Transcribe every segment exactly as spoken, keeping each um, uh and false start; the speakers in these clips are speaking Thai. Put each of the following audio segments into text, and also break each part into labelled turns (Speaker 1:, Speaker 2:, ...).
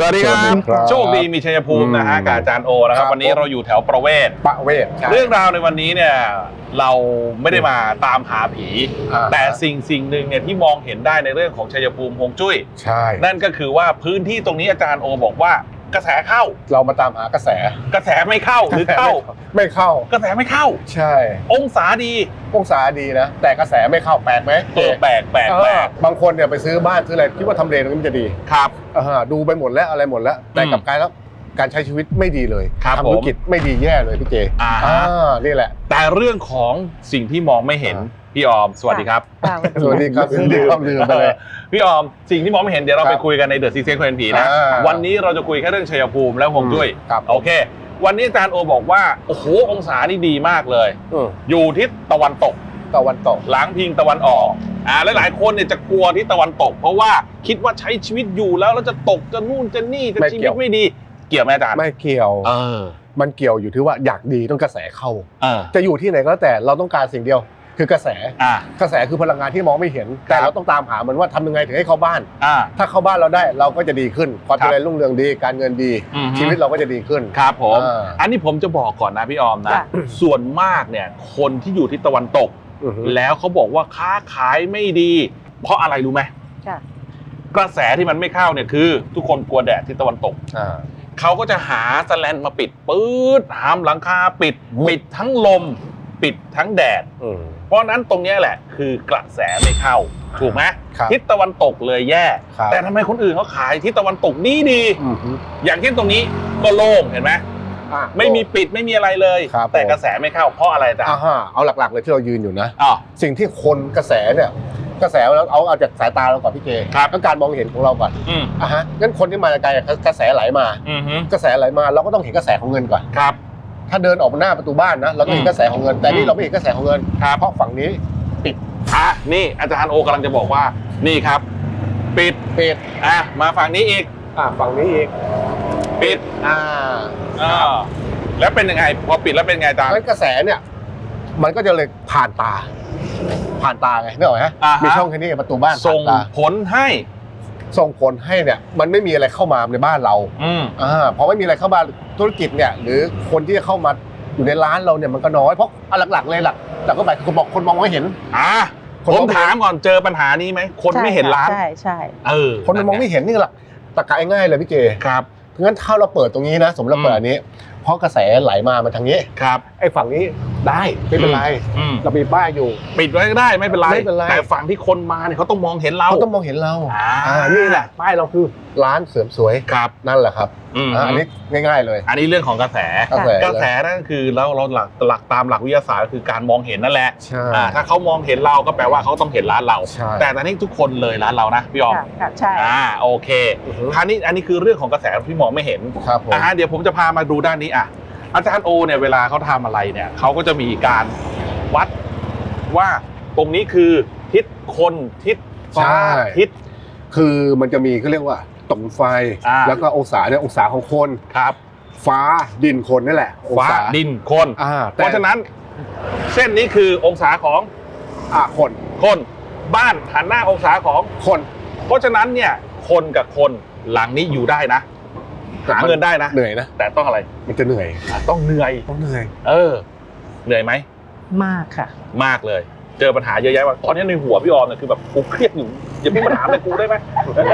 Speaker 1: สวัสดีครับโชคดีมีชัยภูมินะฮะกับอาจารย์โอนะครับวันนี้เราอยู่แถวประเวศ
Speaker 2: ประเวศ
Speaker 1: เรื่องราวในวันนี้เนี่ยเราไม่ได้มาตามหาผีแต่สิ่งสิ่งหนึ่งเนี่ยที่มองเห็นได้ในเรื่องของชัยภูมิฮวงจุ้ย
Speaker 2: ใช่
Speaker 1: นั่นก็คือว่าพื้นที่ตรงนี้อาจารย์โอบอกว่ากระแสเข้า
Speaker 2: เรามาตามหากระแส
Speaker 1: กระแสไม่เข้าหรือเข้า
Speaker 2: ไม่เข้าก
Speaker 1: ระแสไม่เข้า
Speaker 2: ใช่
Speaker 1: องศาดี
Speaker 2: องศาดีนะแต่กระแสไม่เข้าแปลกไหม
Speaker 1: เออแปลกแปลกแปลก
Speaker 2: บางคนเนี่ยไปซื้อบ้านซื้ออะไรคิดว่าทำเลตรงนี้มันจะดี
Speaker 1: ครับ
Speaker 2: ดูไปหมดแล้วอะไรหมดแล้วแต่กลับกลายแล้วการใช้ชีวิตไม่ดีเลยทำธุรกิจไม่ดีแย่เลยพี่เจอ่านี่แหละ
Speaker 1: แต่เรื่องของสิ่งที่มองไม่เห็นพี่ออมสวัสดีครับ
Speaker 2: สวัสดีครับสวัสดีครับลืมไปเลย
Speaker 1: พี่ออมสิ่งที่มองไม่เห็นเดี๋ยวเราไปคุยกันในเดอะซีเซนคนผีนะวันนี้เราจะคุยแค่เรื่องชัยภูมิและฮวงจุ้ยโอเควันนี้อาจารย์โอบอกว่าโอ้โหองศานี่ดีมากเลยอยู่ทิศตะวันตก
Speaker 2: ตะวันตก
Speaker 1: หลังพิงตะวันออกอ่าหลายๆคนเนี่ยจะกลัวทิศตะวันตกเพราะว่าคิดว่าใช้ชีวิตอยู่แล้วแล้วจะตกจะนู่นจะนี่จะชีวิตไม่ดีเกี่ยวไหมอาจารย์
Speaker 2: ไม่เกี่ยว
Speaker 1: เออ
Speaker 2: มันเกี่ยวอยู่ที่ว่าอยากดีต้องกระแสเข้า
Speaker 1: จะ
Speaker 2: อยู่ที่ไหนก็แล้วแต่เราต้องการสิ่งเดียวคือกระแสกระแสคือพลังงานที่มองไม่เห็นแต่เราต้องตามหามันว่าทำยังไงถึงให้เข้าบ้านถ้าเข้าบ้านเราได้เราก็จะดีขึ้นความเจริญรุ่งเรืองดีการเงินดีชีวิตเราก็จะดีขึ้น
Speaker 1: ครับผมอันนี้ผมจะบอกก่อนนะพี่ออมนะส่วนมากเนี่ยคนที่อยู่ทิศตะวันตกแล้วเขาบอกว่าค้าขายไม่ดีเพราะอะไรรู้ไหมกระแสที่มันไม่เข้าเนี่ยคือทุกคนกลัวแดดทิศตะวันตกเขาก็จะหาสแลนมาปิดปื๊ดหามหลังคาปิดปิดทั้งลมปิดทั้งแดดเพราะนั้นตรงนี้แหละคือกระแสไม่เข้าถูกไหมทิศตะวันตกเลยแย่แต่ทำไมคนอื่นเขาขายทิศตะวันตกดีดีอย่างเช่นตรงนี้ก็โล่งเห็นไหมไม่มีปิดไม่มีอะไรเลยแต่กระแสไม่เข้าเพราะอะไรจ๊ะ
Speaker 2: เอาหลักๆเลยที่เรายืนอยู่นะสิ่งที่คนกระแสเนี่ยกระแสเราเอาเอาจากสายตาเราก่อนพี่เจต้องการมองเห็นของเราก่อนอ่ะฮะงั้นคนที่มาไกลกระแสไหลมากระแสไหลมาเราก็ต้องเห็นกระแสของเงินก่อน
Speaker 1: ครับ
Speaker 2: ถ้าเดินออกมาหน้าประตูบ้านนะเราต้องเห็นกระแสของเงินแต่นี่เราไม่เห็นกระแสของเงินเพราะฝั่งนี้ปิด
Speaker 1: อ่ะนี่อาจารย์โอกำลังจะบอกว่านี่ครับปิด
Speaker 2: ปิด
Speaker 1: อ่ะมาฝั่งนี้อีก
Speaker 2: อ่ะฝั่งนี้อีก
Speaker 1: ปิด
Speaker 2: อ่า
Speaker 1: อ่าแล้วเป็นยังไงพอปิดแล้วเป็นไงอาจารย์
Speaker 2: กระแสเนี่ยมันก็จะเลยผ่านตาผ่านตาไงนึกออกไหมมีช่องแค่นี้ประตูบ้าน
Speaker 1: ส่งผลให้
Speaker 2: ส่งผลให้เนี่ยมันไม่มีอะไรเข้ามาในบ้านเราอ่าพอไม่มีอะไรเข้ามาธุรกิจเนี่ยหรือคนที่จะเข้ามาอยู่ในร้านเราเนี่ยมันก็น้อยเพราะหลักๆเลยหลักแต่ก็หมายคือบอกคนมองไม่เห็น
Speaker 1: อ่าผมถามก่อนเจอปัญหานี้ไหมคนไม่เห็นร้าน
Speaker 3: ใช่ใช่
Speaker 1: เออ
Speaker 2: คนมองไม่เห็นนี่แหละตะกายง่ายเลยพี่เจ
Speaker 1: ครับ
Speaker 2: งั้นถ้าเราเปิดตรงนี้นะสมมติเราเปิดอันนี้เพราะกระแสไหลมามันทางนี้
Speaker 1: ครับ
Speaker 2: ไอ้ฝั่งนี้ได้ไม่เป็นไรเรามีป้ายอยู่
Speaker 1: ปิดไว้ก็ได้ไม่เป็นไรแต่ฝั่งที่คนมาเนี่ยเขาต้องมองเห็นเรา
Speaker 2: เขาต้องมองเห็นเราอ่านี่แหละป้ายเราคือร้านเสริมสวย
Speaker 1: ครับ
Speaker 2: นั่นแหละครับอันนี้ง่ายๆเลย
Speaker 1: อันนี้เรื่องของกระแสกระแสนั่นคือแล้วเราหลักหลักตามหลักวิทยาศาสตร์ก็คือการมองเห็นนั่นแหละถ้าเขามองเห็นเราก็แปลว่าเขาต้องเห็นร้านเราแต่ตอนนี้ทุกคนเลยร้านเรานะพี่ออม
Speaker 3: ใช่
Speaker 1: อ่าโอเคคราวนี้อันนี้คือเรื่องของกระแสที่มองไม่เห็นอ่าเดี๋ยวผมจะพามาดูด้านนี้อ่ะอาจารย์โอเนี่ยเวลาเขาทำอะไรเนี่ยเขาก็จะมีการวัดว่าตรงนี้คือทิศคนทิศฟ้าทิศ
Speaker 2: คือมันจะมีเขาเรียกว่าตรงไฟแล้วก็องศาเนี่ยองศาของคน
Speaker 1: ครับ
Speaker 2: ฟ้าดินคนนี่แหละ
Speaker 1: ฟ้าดินคนเพราะฉะนั้นเส้นนี้คือองศาของ
Speaker 2: อ่าคน
Speaker 1: คนบ้านหันหน้าองศาของ
Speaker 2: คน
Speaker 1: เพราะฉะนั้นเนี่ยคนกับคนหลังนี้อยู่ได้นะหาเงินได้นะ
Speaker 2: เหนื่อยนะ
Speaker 1: แต่ต้องอะไร
Speaker 2: มันจะเหนื่อย
Speaker 1: ต้องเหนื่อย
Speaker 2: ต้องเหนื่อย
Speaker 1: เออเหนื่อยไหม
Speaker 3: มากค่ะ
Speaker 1: มากเลยเจอปัญหาเยอะแยะมากตอนนี้ในหัวพี่ออมเนี่ยคือแบบกูเครียดอยู่อย่าเพิ่งมาถามเลยกูได้ไหม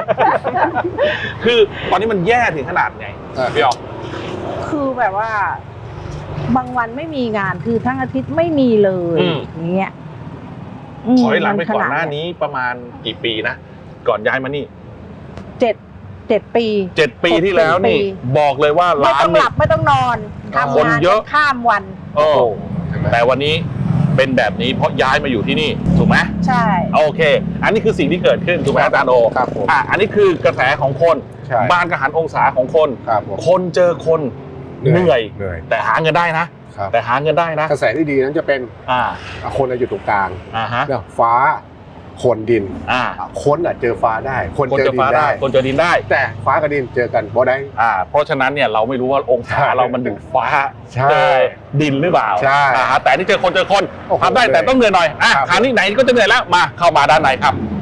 Speaker 1: คือตอนนี้มันแย่ถึงขนาดไงพี่ออม
Speaker 3: คือแบบว่าบางวันไม่มีงานคือทั้งอาทิตย์ไม่มีเลยอย่างเงี้ย
Speaker 1: ถอยหลังไปก่อนหน้านี้ประมาณกี่ปีนะก่อนย้ายมานี่
Speaker 3: เจ็ดเจ็ดปี
Speaker 1: เจ็ดปีที่แล้วนี่บอกเลยว่าร้าน
Speaker 3: ไม่ต้องหลับไม่ต้องนอนทำงานเยอะข้ามวัน
Speaker 1: โอ้แต่วันนี้เป็นแบบนี้เพราะย้ายมาอยู่ที่นี่ถูกไหม
Speaker 3: ใช่
Speaker 1: โอเคอันนี้คือสิ่งที่เกิดขึ้นถูกไหมอาจารย์โอ
Speaker 2: ครับผม
Speaker 1: อ่ะอันนี้คือกระแสของคนบ้านกระหันองศาของคนคนเจอคนเหนื่อยแต่หาเงินได้นะแต่หาเงินได้นะ
Speaker 2: กระแสที่ดีนั้นจะเป็นอ่าคนอยู่ตรงกลาง
Speaker 1: อ่าฮะ
Speaker 2: ฟ้าคนดิน
Speaker 1: อ่า
Speaker 2: คนอ่ะเจอฟ้าได้คนเจอดินได้
Speaker 1: คนเจอดินได้
Speaker 2: แต่ฟ้ากับดินเจอกันบ่ได้
Speaker 1: อ่าเพราะฉะนั้นเนี่ยเราไม่รู้ว่าองศาเรามันถึงฟ้าเจอดินหรือเปล่า
Speaker 2: ใช่
Speaker 1: แต่นี่เจอคนเจอคนทำได้แต่ต้องเหนื่อยหน่อยอ่ะคราวนี้ไหนก็จะเหนื่อยแล้วมาเข้ามาด้านในครับ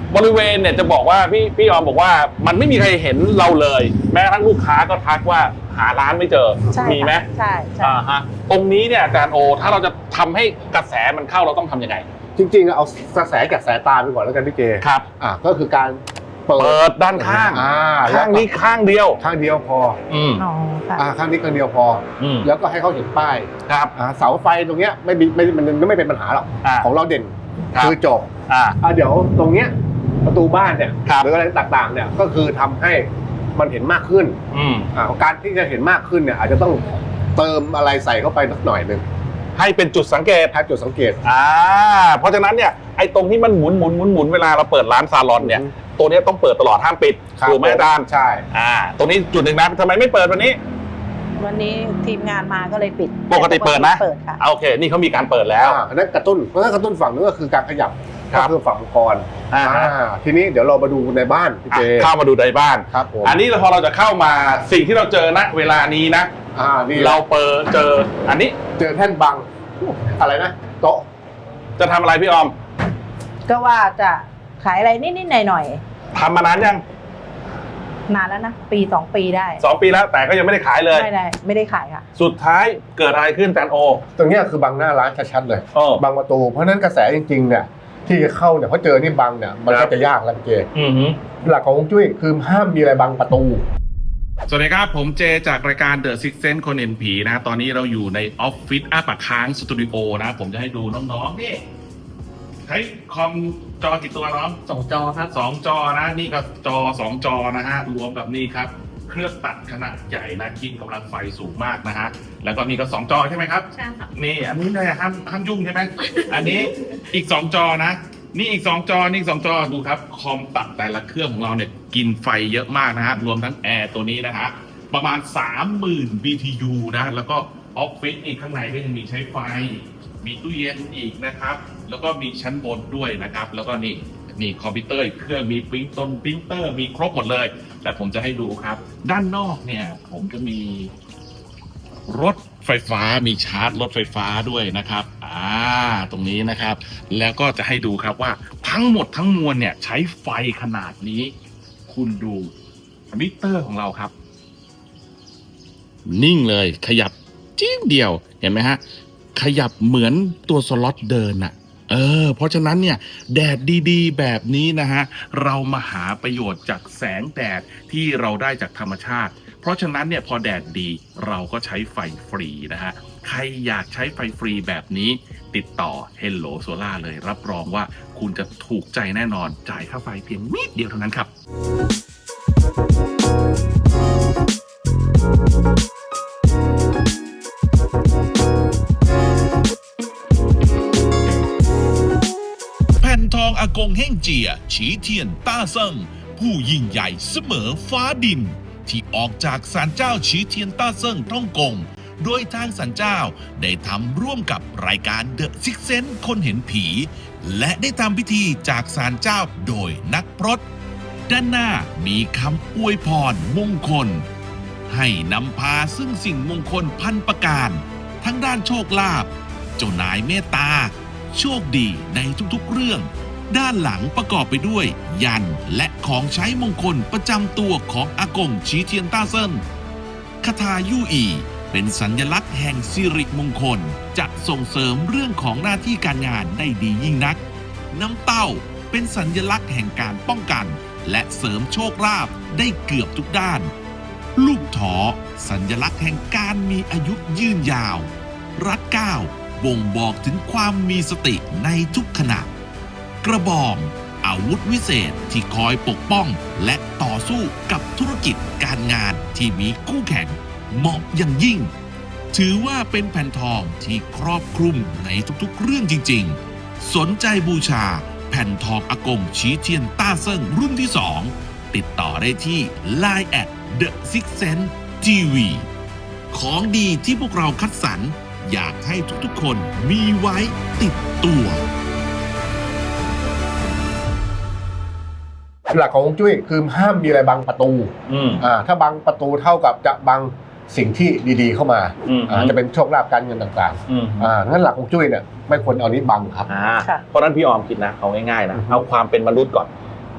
Speaker 1: บริเวณเนี่ยจะบอกว่าพี่พี่ออมบอกว่ามันไม่มีใครเห็นเราเลย แม้กระทั่งลูกค้าก็ทักว่าหาร้านไม่เจอมีไหม
Speaker 3: ใช่ใช่
Speaker 1: อ่าฮะตรงนี้เนี่ยอาจารย์โอถ้าเราจะทำให้กระแสมันเข้าเราต้องทำยังไง
Speaker 2: จริงๆเอากระแสจากสายตาไปก่อนแล้วกันพี่เจ
Speaker 1: ครับ
Speaker 2: อ่าก็คือการเปิ
Speaker 1: เปิ
Speaker 2: ด
Speaker 1: ดด้านข้าง
Speaker 2: อ่า
Speaker 1: ข้างนี้ข้างเดียว
Speaker 2: ข้างเดียวพอ
Speaker 1: อืม
Speaker 3: อ๋อค่ะ
Speaker 2: อ่าข้างนี้ข้างเดียวพอ
Speaker 1: อืม
Speaker 2: แล้วก็ให้เขาเห็นป้าย
Speaker 1: ครับ
Speaker 2: อ่าเสาไฟตรงเนี้ยไม่มีไม่มันไม่เป็นปัญหาหรอก
Speaker 1: อ่า
Speaker 2: ของเราเด่น
Speaker 1: ครับ
Speaker 2: คือจบ
Speaker 1: อ่า
Speaker 2: อ่าเดี๋ยวตรงเนี้ยประตูบ้านเนี่ย
Speaker 1: ครับ
Speaker 2: หรืออะไรต่างๆเนี่ยก็คือทำให้มันเห็นมากขึ้น
Speaker 1: อืม
Speaker 2: อ่าการที่จะเห็นมากขึ้นเนี่ยอาจจะต้องเติมอะไรใส่เข้าไปสักหน่อยหนึ่ง
Speaker 1: ให้เป็นจุดสังเกต
Speaker 2: ถ้าจุดสังเกต
Speaker 1: อ่าเพราะฉะนั้นเนี่ยไอ้ตรงที่มันหมุนหมุนหมุนหมุนเวลาเราเปิดร้านซาลอนเนี่ย
Speaker 2: อืม
Speaker 1: ตัวเนี้ยต้องเปิดตลอดห้ามปิด
Speaker 2: ครับ
Speaker 1: ถูกไหมอาจารย์
Speaker 2: ใช่
Speaker 1: อ่าตรงนี้จุดหนึ่งนะทำไมไม่เปิดวันนี้
Speaker 3: วันนี้ทีมงานมาก็เลยปิด
Speaker 1: ปกติเปิดนะ
Speaker 3: เปิดค่ะ
Speaker 1: อ่าโอเค นี่เขามีการเปิดแล้ว
Speaker 2: อ่าอันนั้นกระตุ้นเพราะฉะนั้นกระตุ้นฝั่งนึงก็คือการขยับ
Speaker 1: ครับ
Speaker 2: ก็คือฝั่งมังกร
Speaker 1: อ่า
Speaker 2: อ่าทีนี้เดี๋ยวเรามาดูในบ้านพี่เจ
Speaker 1: อ่ะเข้ามาดูในบ้าน
Speaker 2: ครับผม
Speaker 1: อันนี้พอเราจะเข้ามาสิ่งที่เราเจอณเวลานี้นะ
Speaker 2: อ่านี่
Speaker 1: เราเปิดเจออันนี้
Speaker 2: เจอแท่นบังอะไรนะโต๊ะ
Speaker 1: จะทำอะไรพี่ออม
Speaker 3: ก็ว่าจะขายอะไรนิดๆหน่อย
Speaker 1: ทำมานานยัง
Speaker 3: ๆนานแล้วนะปีสองปีได้
Speaker 1: สองปีแล้วแต่ก็ยังไม่ได้ขายเลย
Speaker 3: ไม่ได้ไม่ได้ขายค่ะ
Speaker 1: สุดท้ายเกิดอะไรขึ้นอาจารย์โอ
Speaker 2: ตรงเนี้ยคือบังหน้าร้านชัดๆเลย
Speaker 1: เออ
Speaker 2: บังประตูเพราะฉะนั้นกระแสจริงๆเนี่ยที่จะเข้าเนี่ยเพราะเจอนี่บังเนี่ยมัน
Speaker 1: ครั
Speaker 2: ก็
Speaker 1: บ
Speaker 2: จะยากแล้วพี่เจ
Speaker 1: อือหือ
Speaker 2: หลักของฮวงจุ้ยคือห้ามมีอะไรบังประตู
Speaker 1: สวัสดีครับ ผมเจจากรายการ The Six Sense คนเห็นผีนะ ตอนนี้เราอยู่ในออฟฟิศอ้าปากค้างสตูดิโอนะ ผมจะให้ดูน้องๆนี่ใช้คอมจอกี่ตัวน้อง
Speaker 4: สองจอครับ
Speaker 1: สองจอนะ นี่ก็จอสองจอนะฮะ รวมกับนี่ครับ เครื่องตัดขนาดใหญ่นะกินกำลังไฟสูงมากนะฮะ แล้วก็นี่ก็สองจอใช่ไหมครับ
Speaker 4: ใช่ค่ะ
Speaker 1: นี่อันนี้เนี่ยห้ามห้ามยุ่งใช่ไหม อันนี้อีกสองจอนะ นี่อีกสองจอนี่อีกสองจอดูครับ คอมตัดแต่ละเครื่องของเราเนี่ยกินไฟเยอะมากนะฮะ รวมทั้งแอร์ตัวนี้นะฮะ ประมาณ สามหมื่น บี ที ยู นะ แล้วก็ออฟฟิศอีกข้างในก็ยังมีใช้ไฟ มีตู้เย็นอีกนะครับ แล้วก็มีชั้นบนด้วยนะครับ แล้วก็นี่นี่คอมพิวเตอร์อีกเครื่องมีปริ้นต้นปริ้นเตอร์มีครบหมดเลย แต่ผมจะให้ดูครับ ด้านนอกเนี่ยผมจะมี รถไฟฟ้ามีชาร์จรถไฟฟ้าด้วยนะครับ อ่า ตรงนี้นะครับ แล้วก็จะให้ดูครับว่าทั้งหมดทั้งมวลเนี่ยใช้ไฟขนาดนี้ คุณดูมิเตอร์ของเราครับ นิ่งเลยขยับจิ้งเดียวเห็นไหมฮะ ขยับเหมือนตัวสล็อตเดินอะเออ เพราะฉะนั้นเนี่ยแดดดีๆ แบบนี้นะฮะ เรามาหาประโยชน์จากแสงแดดที่เราได้จากธรรมชาติ เพราะฉะนั้นเนี่ยพอแดดดีเราก็ใช้ไฟฟรีนะฮะ ใครอยากใช้ไฟฟรีแบบนี้ ติดต่อ Hello Solar เลยรับรองว่าคุณจะถูกใจแน่นอนจ่ายค่าไฟเพียงนิดเดียวเท่านั้นครับ
Speaker 5: แผ่นทองอากงเฮ่งเจีย ฉีเทียนต้าเซิงผู้ยิ่งใหญ่เสมอฟ้าดิน ที่ออกจากศาลเจ้าฉีเทียนต้าเซิงฮ่องกง โดยทางศาลเจ้าได้ทำร่วมกับรายการ The Six Sense คนเห็นผี และได้ทำพิธีจากศาลเจ้าโดยนักพรตด้านหน้ามีคำอวยพรมงคล ให้นำพาซึ่งสิ่งมงคลพันประการ ทั้งด้านโชคลาภเจ้านายเมตตา โชคดีในทุกๆเรื่อง ด้านหลังประกอบไปด้วย ยันและของใช้มงคลประจำตัวของอากงฉีเทียนต้าเซินคาถายู่อีเป็นสัญลักษณ์แห่งสิริมงคลจะส่งเสริมเรื่องของหน้าที่การงานได้ดียิ่งนัก น้ำเต้าเป็นสัญลักษณ์แห่งการป้องกัน และเสริมโชคลาภได้เกือบทุกด้าน ลูกถอสัญลักษณ์แห่งการมีอายุยืนยาว รัดเก้าบ่งบอกถึงความมีสติในทุกขณะ กระบองอาวุธวิเศษที่คอยปกป้องและต่อสู้กับธุรกิจการงานที่มีคู่แข่งเหมาะอย่างยิ่ง ถือว่าเป็นแผ่นทองที่ครอบคลุมในทุกๆเรื่องจริงๆ สนใจบูชาแผ่นทองอากงฉีเทียนต้าเซิงรุ่นที่สองติดต่อได้ที่ ไลน์ แอท The Six Sense ที วี ของดีที่พวกเราคัดสรรอยากให้ทุกๆคนมีไว้ติดตัว
Speaker 2: หลักของฮวงจุ้ยคือห้ามมีอะไรบังประตู
Speaker 1: อืม
Speaker 2: อ่าถ้าบังประตูเท่ากับจะบังสิ่งที่ดีๆเข้ามา
Speaker 1: อืม
Speaker 2: อ่าจะเป็นโชคลาภการเงินต่าง
Speaker 1: อืม
Speaker 2: ๆอ่างั้นหลักของฮวงจุ้ยเนี่ยไม่ควรเอานี้บังครับ
Speaker 1: อ่า
Speaker 3: ค่ะ
Speaker 1: เพราะฉะนั้นพี่ออมคิดนะเอาง่ายๆนะ
Speaker 2: อือฮึ
Speaker 1: เอาความเป็นมนุษย์ก่อน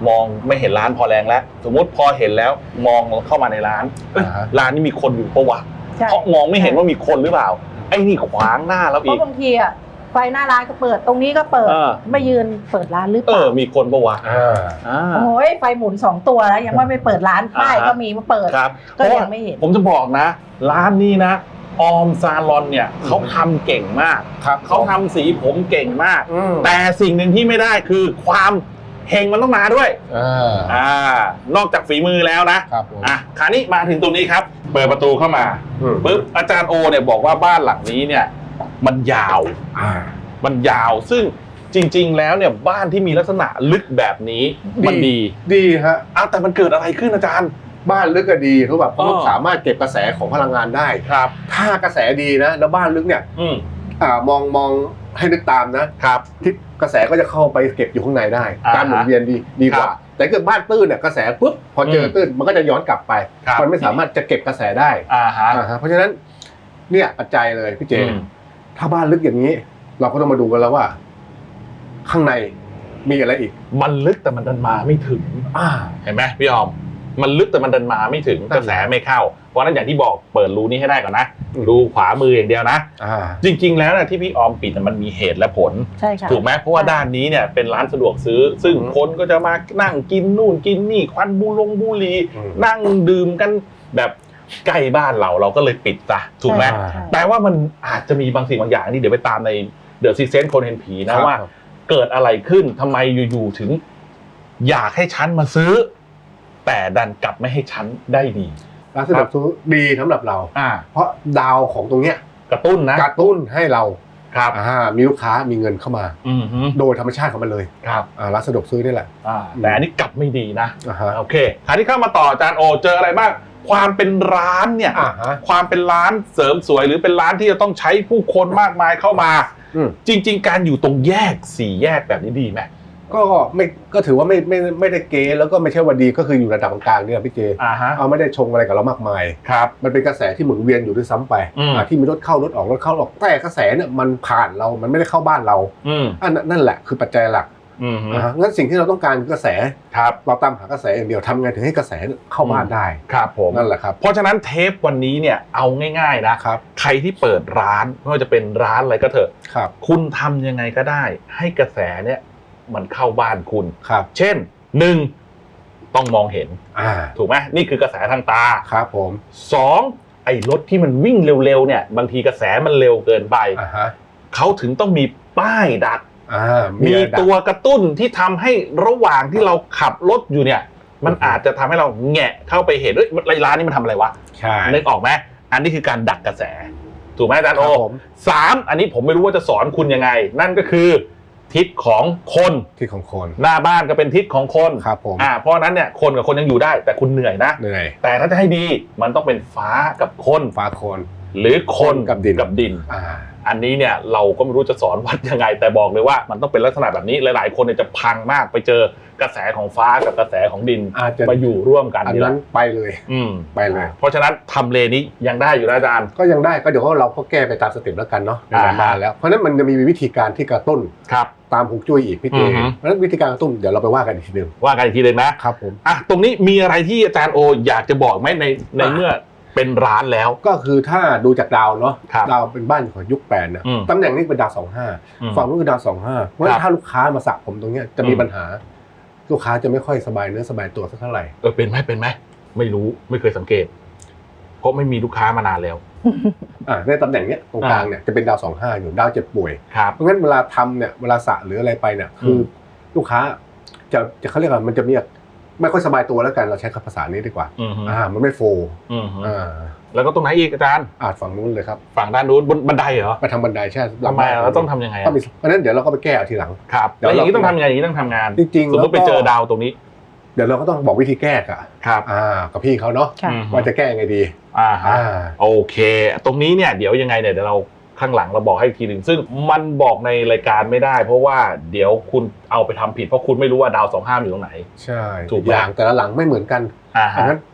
Speaker 1: มองไม่เห็นร้านพอแรงแล้วสมมติพอเห็นแล้วมองเข้ามาในร้านเอ้ยร้านนี้มีคนอยู่ปะวะเพราะมองไม่เห็นว่ามีคนหรือเปล่าไอ้นี่ขวางหน้าแล้ว
Speaker 3: เพ
Speaker 1: อีก
Speaker 3: ราะบางทีอ่ะไฟหน้าร้านก็เปิดตรงนี้ก็เปิด
Speaker 1: เออ
Speaker 3: ไม่ยืนเปิดร้านหรือเป
Speaker 1: เอ
Speaker 3: ล่า
Speaker 1: อมีคนปะวะ
Speaker 2: อ่า
Speaker 1: อ่า
Speaker 3: โอ้ยไฟหมุนสองตัวแล้วยังไม่ไปเปิดร้านป้าย
Speaker 1: อ่าฮะ
Speaker 3: ก็มีมาเปิด
Speaker 1: ครับ
Speaker 3: ก็
Speaker 1: เพราะ
Speaker 3: ยั
Speaker 1: ว่าง
Speaker 3: ไม่เห็น
Speaker 1: ผมจะบอกนะ ร้านนี้นะออมซาลอนเนี่ยเขาทำเก่งมาก
Speaker 2: ครับ
Speaker 1: เขาทำสีผมเก่งมาก
Speaker 2: อืม
Speaker 1: แต่สิ่งหนึ่งที่ไม่ได้คือความเฮงมันต้องมาด้วย
Speaker 2: อ่า
Speaker 1: อ่านอกจากฝีมือแล้วนะครับ
Speaker 2: ผม
Speaker 1: อ่ะคราวนี้มาถึงตรงนี้ครับ เปิดประตูเข้ามา
Speaker 2: อืม
Speaker 1: ปุ๊บอาจารย์โอเนี่ยบอกว่าบ้านหลังนี้เนี่ยมันยาว
Speaker 2: อ่า
Speaker 1: มันยาวซึ่งจริง ๆ แล้วเนี่ยบ้านที่มีลักษณะลึกแบบนี้มันดี
Speaker 2: ดีฮะ
Speaker 1: อ้าวแต่มันเกิดอะไรขึ้นอาจารย์
Speaker 2: บ้านลึกก็ดีเพราะแบบ
Speaker 1: อ๋อ
Speaker 2: มันสามารถเก็บกระแสของพลังงานได้
Speaker 1: ครับ
Speaker 2: ถ้ากระแสดีนะแล้วบ้านลึกเนี่ย
Speaker 1: อืม
Speaker 2: อ่ามองมองให้นึกตามนะครับ ทิศกระแสก็จะเข้าไปเก็บอยู่ข้างในได้
Speaker 1: อ่าฮะ
Speaker 2: การหมุนเวียนดีดีกว่า
Speaker 1: ครับ
Speaker 2: แต่เกิดบ้านตื้นเนี่ยกระแสปุ๊บพอเจออ
Speaker 1: ม
Speaker 2: ตื้นมันก็จะย้อนกลับไป
Speaker 1: ครับ
Speaker 2: มันไม่สามารถจะเก็บกระแสได้
Speaker 1: อ่าฮะ
Speaker 2: อ่าฮะเพราะฉะนั้นเนี่ยปัจจัยเลยพี่เจ
Speaker 1: อืม
Speaker 2: ถ้าบ้านลึกอย่างนี้ เราก็ต้องมาดูกันแล้วว่า ข้างในมีอะไรอีก
Speaker 1: มันลึกแต่มันดันมาไม่ถึง
Speaker 2: อ่า
Speaker 1: เห็นไหมพี่ออม มันลึกแต่มันดันมาไม่ถึง
Speaker 2: นั่น
Speaker 1: กระแสไม่เข้า เพราะฉะนั้นอย่างที่บอกเปิดรูนี้ให้ได้ก่อนนะ
Speaker 2: อืม
Speaker 1: รูขวามืออย่างเดียวนะ
Speaker 2: อ่า
Speaker 1: จริง ๆ แล้วนะที่พี่ออมปิดน่ะมันมีเหตุและผล
Speaker 3: ใช่ค่ะ
Speaker 1: ถูกไหมเพราะว่าด้านนี้เนี่ยเป็นร้านสะดวกซื้อ ซึ่ง
Speaker 2: อืม
Speaker 1: คนก็จะมานั่งกินนู่นกินนี่ควันบุลงบุหรี
Speaker 2: อืม
Speaker 1: นั่งดื่มกันแบบใกล้บ้านเราเราก็เลยปิดซะถูกไหม
Speaker 2: ใช่
Speaker 3: ใช่
Speaker 1: แต่ว่ามันอาจจะมีบางสิ่งบางอย่างที่เดี๋ยวไปตามในเดอะซีเซนคนเห็นผีนะว่า เกิดอะไรขึ้นทำไมอยู่ๆถึง อยากให้ฉันมาซื้อ แต่ดันกลับไม่ให้ฉันได้ดี
Speaker 2: ร้านสะดวกซื้อดีสำหรับเรา
Speaker 1: อ่า
Speaker 2: เพราะดาวของตรงเนี้ย
Speaker 1: กระตุ้นนะ
Speaker 2: กระตุ้นให้เรา
Speaker 1: ครับ
Speaker 2: อ่ามีลูกค้ามีเงินเข้ามา
Speaker 1: อือฮึ
Speaker 2: โดยธรรมชาติของมันเลย
Speaker 1: ครับ
Speaker 2: อ่าร้านสะดวกซื้อนี่แหละ
Speaker 1: อ่าแต่อันนี้กลับไม่ดีนะ
Speaker 2: อ่าฮะ
Speaker 1: โอเคคราวนี้เข้ามาต่ออาจารย์โอเจออะไรบ้างความเป็นร้านเนี่ย
Speaker 2: อ่าฮะ
Speaker 1: ความเป็นร้านเสริมสวยหรือเป็นร้านที่จะต้องใช้ผู้คนมากมายเข้ามา
Speaker 2: อืม
Speaker 1: จริง ๆ การอยู่ตรงแยกสี่แยกแบบนี้ดีไหม
Speaker 2: ก็ไม่ก็ถือว่าไม่ไม่ไม่ได้เกแล้วก็ไม่ใช่ว่าดีก็คืออยู่ระดับกลางๆเนี่ยพี่เจ
Speaker 1: อ่าฮะ
Speaker 2: เอาไม่ได้ชงอะไรกับเรามากมาย
Speaker 1: ครับ
Speaker 2: มันเป็นกระแสที่หมุนเวียนอยู่ด้วยซ้ำไป
Speaker 1: อืม
Speaker 2: อ่าที่มีรถเข้ารถออกรถเข้าออกแต่กระแสเนี่ยมันผ่านเรา มันไม่ได้เข้าบ้านเรา
Speaker 1: อืม
Speaker 2: อันนั้นนั่นแหละคือปัจจัยหลัก
Speaker 1: อืม
Speaker 2: อ่าฮะงั้นสิ่งที่เราต้องการคือกระแส
Speaker 1: ครับ
Speaker 2: เราตามหากระแสอย่างเดียวทำไงถึงให้กระแสเข้าบ้านได้
Speaker 1: ครับผม
Speaker 2: นั่นแหละครับ
Speaker 1: เพราะฉะนั้นเทปวันนี้เนี่ยเอาง่ายๆนะครับ ใครที่เปิดร้านไม่ว่าจะเป็นร้านอะไรก็เถอะ
Speaker 2: ครับ
Speaker 1: คุณทำยังไงก็ได้ ให้กระแสเนี่ยมันเข้าบ้านคุณ
Speaker 2: ครับ
Speaker 1: เช่นหนึ่งต้องมองเห็น
Speaker 2: อ่า
Speaker 1: ถูกไหมนี่คือกระแสทางตา
Speaker 2: ครับผม
Speaker 1: สองไอ้รถที่มันวิ่งเร็วๆเนี่ยบางทีกระแสมันเร็วเกินไป
Speaker 2: อ่าฮะ
Speaker 1: เขาถึงต้องมีป้ายดัก
Speaker 2: อ่า
Speaker 1: มี
Speaker 2: อะไรดัก
Speaker 1: ตัวกระตุ้นที่ทำให้ระหว่างที่เราขับรถอยู่เนี่ย มันอาจจะทำให้เราแงะเข้าไปเห็นเอ้ยร้านนี้มันทำอะไรวะ
Speaker 2: ใช่
Speaker 1: นึกออกไหมอันนี้คือการดักกระแส ถูกไหมอาจารย์
Speaker 2: ค
Speaker 1: โอ
Speaker 2: รับผม
Speaker 1: สามอันนี้ผมไม่รู้ว่าจะสอนคุณยังไง นั่นก็คือ ทิศของคน
Speaker 2: ที่ของคน
Speaker 1: หน้าบ้านก็เป็นทิศของคน
Speaker 2: ครับผม
Speaker 1: อ่าเพราะฉะนั้นเนี่ยคนกับคนยังอยู่ได้ แต่คุณเหนื่อยนะ
Speaker 2: เหนื่อย
Speaker 1: แต่ถ้าจะให้ดีมันต้องเป็นฟ้ากับคน
Speaker 2: ฟ้าคน
Speaker 1: หรือคน
Speaker 2: กับดิน
Speaker 1: กับดิน
Speaker 2: อ่า
Speaker 1: อันนี้เนี่ยเราก็ไม่รู้จะสอนวัดยังไง แต่บอกเลยว่ามันต้องเป็นลักษณะแบบนี้หลายๆ คนเนี่ยจะพังมากไปเจอกระแสของฟ้ากับกระแสของดิน
Speaker 2: อาจจะ
Speaker 1: มาอยู่ร่วมกัน
Speaker 2: อัน
Speaker 1: นี่แห
Speaker 2: นั้
Speaker 1: ละ
Speaker 2: นไปเลย
Speaker 1: อืม
Speaker 2: ไปเลย
Speaker 1: เพราะฉะนั้นทำเลนี้ยังได้อยู่นะอาจารย์
Speaker 2: ก็ยังได้ก็เดี๋ยวเราก็แก้ไปตามสเต็ปแล้วกันเนาะ
Speaker 1: อ่า
Speaker 2: มาแล้วเพราะฉะนั้นมันจะมีวิธีการที่กระตุ้น
Speaker 1: ครับ
Speaker 2: ตามฮวงจุ้ยอีกพี่เจ
Speaker 1: อือฮึ
Speaker 2: เพราะฉะนั้นวิธีการกระตุ้นเดี๋ยวเราไปว่ากันอีกทีหนึง
Speaker 1: ว่ากันอีกทีเลยนะครับ
Speaker 2: ผม
Speaker 1: อ่ะตรงนี้มีอะไรที่อาจารย์โออยากจะบอกไหมในในเมื่อเป็นร้านแล้ว
Speaker 2: ก็คือถ้าดูจากดาวเนาะ
Speaker 1: ครับ
Speaker 2: ดาวเป็นบ้านของยุคแปดนะ
Speaker 1: อืม
Speaker 2: ตำแหน่งนี้เป็นดาวสองห้า
Speaker 1: อืม
Speaker 2: ฝั่งนู้นคือดาวสองห้าเพราะฉะ
Speaker 1: ครั
Speaker 2: นั้น
Speaker 1: บ
Speaker 2: ถ้าลูกค้ามาสระผมตรงเนี้ยจะมี
Speaker 1: อืม
Speaker 2: ปัญหา ลูกค้าจะไม่ค่อยสบายเนื้อสบายตัวสักเท่าไหร่
Speaker 1: เออเป็นไหมเป็นไหมไม่รู้ไม่เคยสังเกต เพราะไม่มีลูกค้ามานานแล้ว
Speaker 2: อ่าในตำแหน่งเนี้ยตรงกลางเนี่ยจะเป็นดาวสองห้าอยู่ดาวเจ็บป่วย
Speaker 1: ครับ
Speaker 2: เพราะงั้นเวลาทำเนี่ยเวลาสระหรืออะไรไปเนี่ยคืออ
Speaker 1: ม
Speaker 2: ลูกค้าจะจะเขาเรียกว่ามันจะมีไม่ค่อยสบายตัวแล้วกันเราใช้คำภาษานี้ดีกว่า
Speaker 1: อืมฮึ
Speaker 2: อ่ามันไม่โฟล์
Speaker 1: อืมฮึ
Speaker 2: อ่า
Speaker 1: แล้วก็ตรงไหนอีกอาจารย์
Speaker 2: อาจฝั่งนู้นเลยครับ
Speaker 1: ฝั่งด้านนู้นบนบันไดเหรอ
Speaker 2: ไปทำบันไดใช่
Speaker 1: ทำไมอ่ะเราต้องทำยังไงอ่ะ
Speaker 2: ต้องมีเพราะฉะนั้นเดี๋ยวเราก็ไปแก้เอาทีหลัง
Speaker 1: ครับ
Speaker 2: เดี๋ยว
Speaker 1: แล้วอย่างนี้
Speaker 2: เรา
Speaker 1: ต้องทำยังไงอย่างนี้ต้องทำงาน
Speaker 2: จริงๆ
Speaker 1: สมมติไป
Speaker 2: แล้วก็
Speaker 1: เจอดาวตรงนี้
Speaker 2: เดี๋ยวเราก็ต้องบอกวิธีแก้อะ
Speaker 1: ครับ
Speaker 2: อ่ากับพี่เขาเนาะ
Speaker 3: ค่ะ
Speaker 1: อืม
Speaker 2: ว่าจะแก้ยังไงดี
Speaker 1: อ่าฮะ
Speaker 2: อ่า
Speaker 1: โอเค ตรงนี้เนี่ยเดี๋ยวยังไงเนี่ยเดี๋ยวเราข้างหลังเราบอกให้อีกทีหนึ่งซึ่งมันบอกในรายการไม่ได้ เพราะว่าเดี๋ยวคุณเอาไปทำผิดเพราะคุณไม่รู้ว่าดาวสองห้ามอยู่ตรงไหน
Speaker 2: ใช่
Speaker 1: ถูกไหม
Speaker 2: อย่างแต่ละหลังไม่เหมือนกัน
Speaker 1: อ่า
Speaker 2: อัน
Speaker 1: ฮะ
Speaker 2: นั้นก็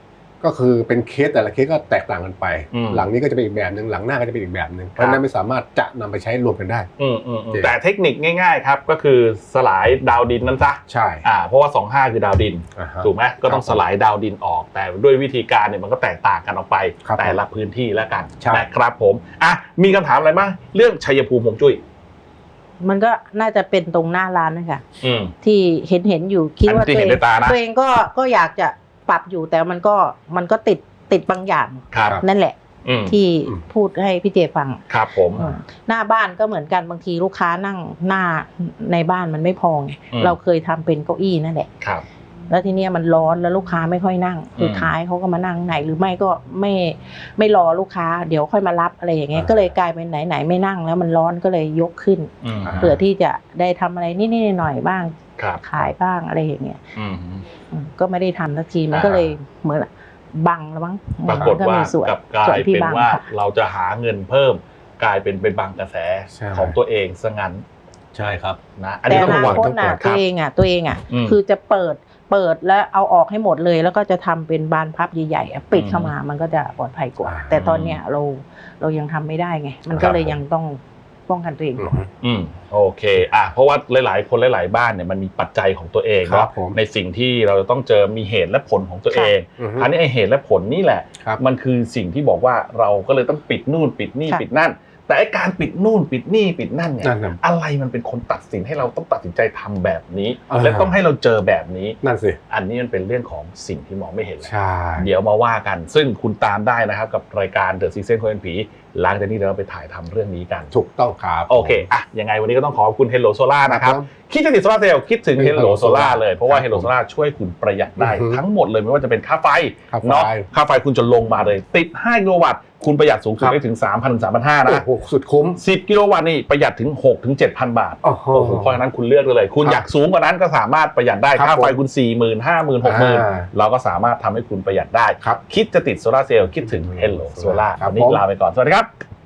Speaker 2: ก็คือเป็นเคสแต่ละเคสก็แตกต่างกันไปหลังนี้ก็จะเป็นอีกแบบนึงหลังหน้าก็จะเป็นอีกแบบนึงเพราะฉะนั้นไม่สามารถจะนำไปใช้รวมกันได้
Speaker 1: แต่เทคนิคง่ายๆครับก็คือสลายดาวดินนั่นซะ
Speaker 2: ใช่
Speaker 1: อ่าเพราะว่าสองห้าคือดาวดินถูกไหมก็ต้องสลายดาวดินออกแต่ด้วยวิธีการเนี่ยมันก็แตกต่างกันออกไปแต่ละพื้นที่แล้วกันนะครับผมอ่ะมีคำถามอะไรบ้างเรื่องชัยภูมิฮวงจุ้ย
Speaker 3: มันก็น่าจะเป็นตรงหน้าร้านนะคะที่เห็นเห็นอยู่คิดว่าตัวเองตัวเองก็ก็อยากจะปรับอยู่แต่มันก็มันก็ติดติดบางอย่างนั่นแหละที่พูดให้พี่เจฟัง
Speaker 1: ครับผม
Speaker 3: หน้าบ้านก็เหมือนกันบางทีลูกค้านั่งหน้าในบ้านมันไม่พอเราเคยทำเป็นเก้าอี้นั่นแหละแล้วทีเนี้ยมันร้อนแล้วลูกค้าไม่ค่อยนั่งสุดท้ายเขาก็มานั่งไหนหรือไม่ก็ไม่ไม่รอลูกค้าเดี๋ยวค่อยมารับอะไรอย่างเงี้ยก็เลยกลายเป็นไหนไหนไม่นั่งแล้วมันร้อนก็เลยยกขึ้นเพื่อที่จะได้ทำอะไรนิดๆหน่อยๆบ้างขายบ้างอะไรอย่างเงี้ยก็ไม่ได้ทำสักทีมันก็เลยเหมือนบังแล้วมั้ง
Speaker 1: ปรากฏว่ากลับกลายเป็นว่าเราจะหาเงินเพิ่มกลายเป็นเป็นบังกระแสของตัวเองซะงั้น
Speaker 2: ใช่ครับ
Speaker 1: นะ
Speaker 3: อันนี้ต้องระวังทั้งหมดตัวเองอ่ะตัวเองอ่ะคือจะเปิดเปิดแล้วเอาออกให้หมดเลยแล้วก็จะทำเป็นบานพับใหญ่ๆปิดเข้ามามันก็จะปลอดภัยกว่าแต่ตอนเนี้ยเราเรายังทำไม่ได้ไงมันก็เลยยังต้องป้องกันตัวเองก่อน
Speaker 1: อืมโอเคอ่ะเพราะว่าหลายๆคนหลายๆบ้านเนี่ยมันมีปัจจัยของตัวเองเนาะในสิ่งที่เราจะต้องเจอมีเหตุและผลของตัวเองอันนี้ไอเหตุและผลนี่แหละมันคือสิ่งที่บอกว่าเราก็เลยต้องปิดนู่นปิดนี่ปิดนั่นแต่ไอการปิดนู่นปิดนี่ปิดนั่นเนี่ยอะไรมันเป็นคนตัดสินให้เราต้องตัดสินใจทำแบบนี้และต้องให้เราเจอแบบนี้
Speaker 2: นั่นสิ
Speaker 1: อันนี้มันเป็นเรื่องของสิ่งที่มองไม่เห็นเดี๋ยวมาว่ากันซึ่งคุณตามได้นะครับกับรายการ The Six Sense คนเป็นผีหลังจากนี้เราไปถ่ายทำเรื่องนี้กัน
Speaker 2: ถูกต้องครับ
Speaker 1: โอเคอ่ะยังไงวันนี้ก็ต้องขอบคุณ Hello Solar นะครับคิดจะติดโซลาร์เซลล์คิดถึง Hello Solar เลยเพราะว่า Hello Solar ช่วยคุณประหยัดได้ทั้งหมดเลยไม่ว่าจะเป็นค่าไฟเนาะค่าไฟคุณจะลงมาเลยติดห้ากิโลวัตต์คุณประหยัดสูงสุดได้ถึง สามพัน ถึง สามพันห้าร้อย นะ
Speaker 2: โอ้โหสุดคุ้ม
Speaker 1: สิบกิโลวัตต์นี่ประหยัดถึง หกถึงเจ็ดพัน บาทโอ้โหเพราะฉะนั้นคุณเลือกได้เลยคุณอยากสูงกว่านั้นก็สามารถประหยัดได้ค่าไฟคุณ สี่หมื่น ห้าหมื่น หกหมื่น เราก็สามารถทำให้คุณประหยัดได้คิดจะติดโซลาร์เซลล์คิดถึง Hello Solar วันนี้ลาไปก่อนสวัสดีครับ